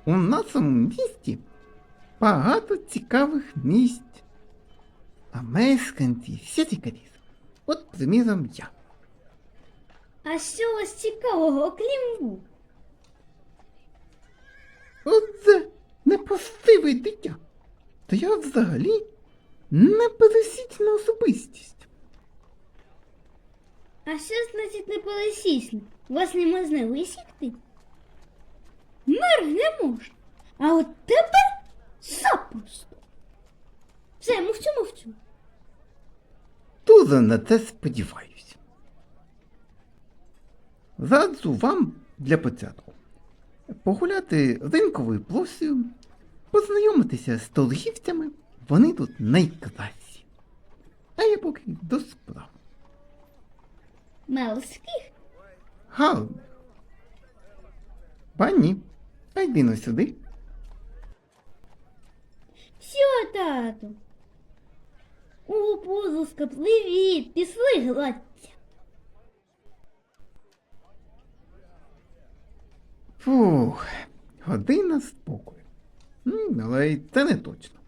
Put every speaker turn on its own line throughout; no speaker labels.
У нашому місті багато цікавих місць. А мешканці всі цікаві. От, приміром, я.
А що у вас цікавого, окрім вух?
Оце непостиве дитя. Та я взагалі непересічна особистість.
А що значить непересічне? Вас не можна висікти? Мир не можна. А от тепер запросто. Все, мовчу.
Дуже на це сподіваюся. Раджу вам для початку погуляти ринковою площею, познайомитися з торгівцями, вони тут найкращі. А я поки до справ.
Мелських?
Гарних. Пані, а йди но сюди.
Що, тату? О, позуска, привіт, пішли гладься.
Фух, година спокою. Але й це не точно.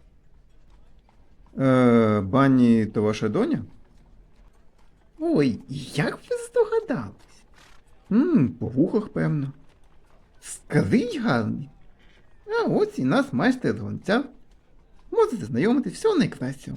Бані то ваша доня? Ой, як ви здогадались? По вухах, певно. Скажіть гарний. А ось і нас майстер гонця. Можете знайомитись, всього найкращого.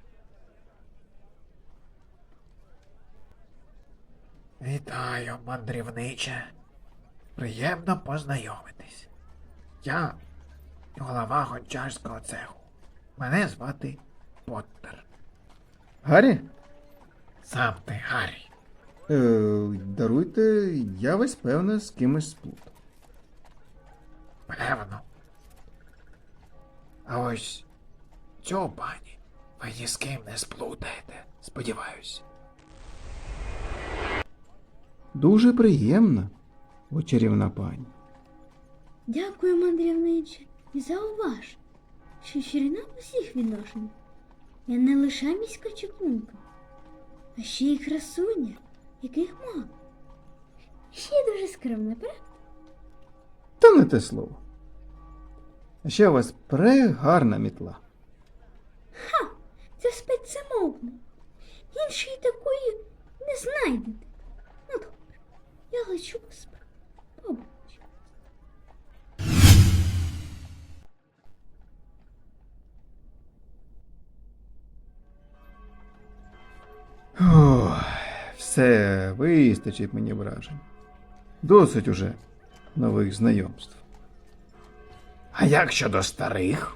Вітаю, мандрівниче. Приємно познайомитись. Я голова гончарського цеху. Мене звати Поттер.
Гаррі?
Сам ти, Гаррі.
Даруйте, я весь певно з кимось сплутав.
Певно. А ось цю пані ви ні з ким не сплутаєте, сподіваюсь.
Дуже приємно, о чарівна пані.
Дякую, мандрівниче, і зауваж, що чарівна в усіх відношеннях. Я не лише міська чаклунка, а ще й красуня, яких мало. Ще й дуже скромна, правда?
Та не те слово. А ще у вас прегарна мітла.
Це спецзамовно. Іншої такої не знайдете. Ну добре, я лечу по справу. Побачу.
Ох, все, вистачить мені вражень. Досить уже нових знайомств.
А як щодо старих?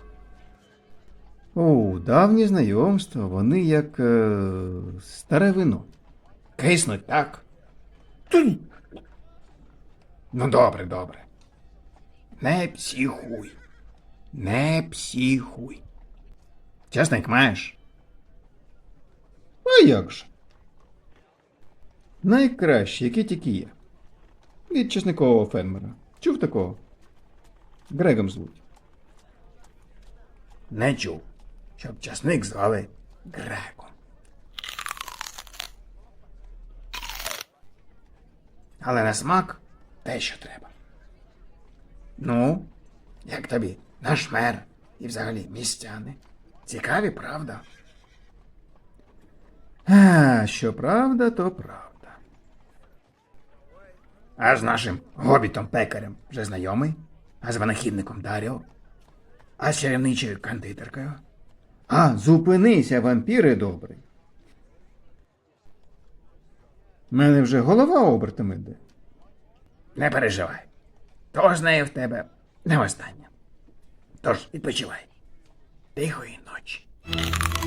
О, давні знайомства, вони як старе вино.
Киснуть, так? Тунь. Ну, добре. Не психуй. Не психуй. Чесник маєш?
А як же? Найкращі, які тільки є. Від чесникового фермера. Чув такого? Грегом звуть.
Не чув, щоб часник звали Греком. Але на смак те, що треба. Ну, як тобі наш мер і взагалі містяни? Цікаві, правда?
А, що правда, то правда.
А з нашим гобітом-пекарем вже знайомий? А з винахідником Даріо? А з чарівничою кондитеркою?
А, зупинися, вампіре добрий. Мене вже голова обертом іде.
Не переживай. То з нею в тебе не остання. Тож відпочивай. Тихої ночі.